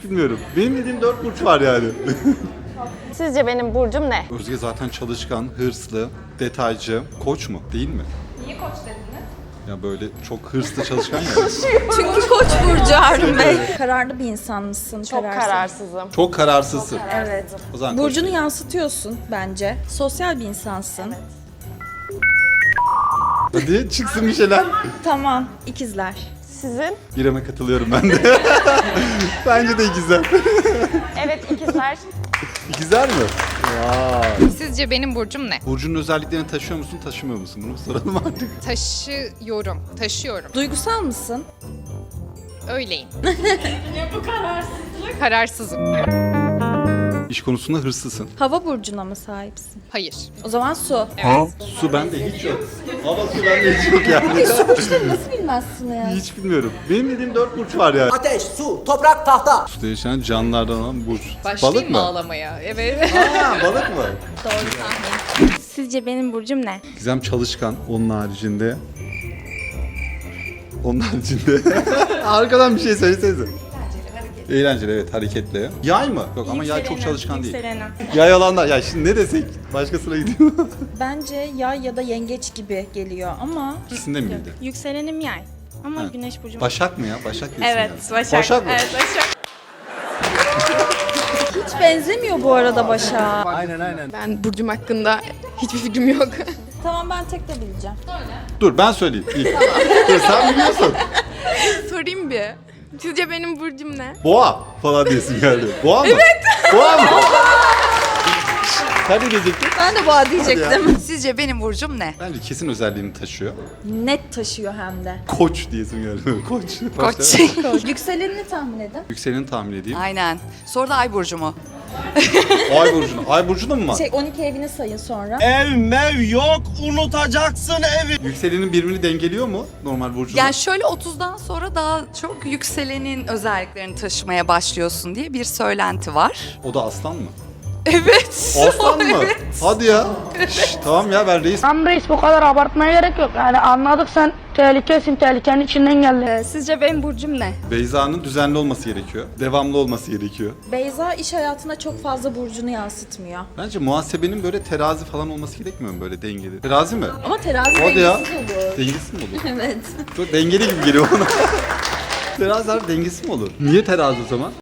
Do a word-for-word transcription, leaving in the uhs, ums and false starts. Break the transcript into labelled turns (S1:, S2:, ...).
S1: Bilmiyorum. Benim dediğim dört burç var yani.
S2: Sizce benim burcum ne?
S1: Özge zaten çalışkan, hırslı, detaycı. Koç mu? Değil mi?
S3: Niye koç dediniz?
S1: Ya böyle çok hırslı çalışkan ya.
S4: Çünkü Koç burcu Harun Bey. Kararlı bir insan mısın?
S2: Çok
S4: Kararsın.
S2: kararsızım.
S1: Çok kararsızsın.
S4: Evet.
S1: O zaman koç
S4: Burcunu
S1: değil.
S4: yansıtıyorsun bence. Sosyal bir insansın.
S1: Hadi çıksın bir şeyler.
S4: Tamam. İkizler.
S2: Sizin?
S1: İrem'e katılıyorum ben de. Bence de ikizler.
S2: Evet ikizler.
S1: İkizler mi?
S3: Sizce benim burcum ne?
S1: Burcunun özelliklerini taşıyor musun, taşımıyor musun? Bunu soralım artık.
S3: Taşıyorum, taşıyorum.
S4: Duygusal mısın?
S3: Öyleyim. Ya bu kararsızlık? Kararsızım.
S1: İş konusunda hırslısın.
S4: Hava burcuna mı sahipsin?
S3: Hayır.
S4: O zaman su.
S3: Evet.
S1: Su bende hiç yok. Hava su bende hiç yok yani.
S4: Su burçları nasıl bilmezsin ya?
S1: Hiç bilmiyorum. Benim dediğim dört burç var yani.
S5: Ateş, su, toprak, tahta.
S1: Suda yaşayan canlılardan olan burç.
S3: Başlayayım
S1: Balık
S3: mı
S1: mı?
S3: ağlamaya? Evet.
S1: Ha, balık mı?
S2: Sizce benim burcum ne?
S1: Gizem çalışkan. Onun haricinde... Onun haricinde... Arkadan bir şey söylesenize. Eğlenceli, evet, hareketli. Yay mı? Yok ama yay çok çalışkan değil.
S2: Yükselenim.
S1: Yay alanlar, ya şimdi ne desek başkasına gidiyor.
S4: Bence yay ya da yengeç gibi geliyor ama
S1: İkisinde miydi?
S2: Yükselenim yay. Ama
S1: Ha.
S2: güneş burcum.
S1: Başak mı ya? Başak diyorsun
S2: Evet,
S1: yani.
S2: Başak.
S1: Başak mı?
S2: Evet, Başak.
S4: hiç benzemiyor bu arada Başak'a.
S6: Ben burcum hakkında hiçbir fikrim yok.
S4: Tamam ben tek de bileceğim.
S1: Dur ben söyleyeyim ilk. Dur sen biliyorsun.
S6: Sorayım bir. Sizce benim burcum ne?
S1: Boğa falan diyesin geldi. Boğa mı? Evet. Boğa mı? Sen ne diyecektin?
S4: Ben de boğa diyecektim.
S7: Sizce benim burcum ne?
S1: Bence kesin özelliğini taşıyor.
S4: Net taşıyor hem de.
S1: Koç diyesin geldi. Koç.
S7: Koç.
S1: Başla.
S4: Yükselenini tahmin edin.
S1: Yükseleni tahmin edeyim.
S7: Aynen. Sonra da ay burcu mu?
S1: Ay burcunu. Ay burcunda mı var?
S4: Şey on iki evini sayın sonra.
S8: Ev mev yok, unutacaksın evi.
S1: Yükselenin birbirini dengeliyor mu normal burcunda?
S7: Yani şöyle otuzdan sonra daha çok yükselenin özelliklerini taşımaya başlıyorsun diye bir söylenti var.
S1: O da aslan mı?
S7: Evet.
S1: Aslan mı? Hadi ya. Şş, tamam ya ben reis.
S9: Tam reis bu kadar abartmaya gerek yok. Yani anladık sen tehlikesin, tehlikenin içinden geldin.
S6: Sizce benim burcum ne?
S1: Beyza'nın düzenli olması gerekiyor. Devamlı olması gerekiyor.
S4: Beyza iş hayatına çok fazla burcunu yansıtmıyor.
S1: Bence muhasebenin böyle terazi falan olması gerekmiyor mu böyle dengeli? Terazi mi?
S4: Ama terazi
S1: Hadi ya.
S4: dengesiz olur.
S1: Dengesiz mi olur?
S4: Evet.
S1: Çok dengeli gibi geliyor bana. Terazi abi dengesiz mi olur? Niye terazi o zaman?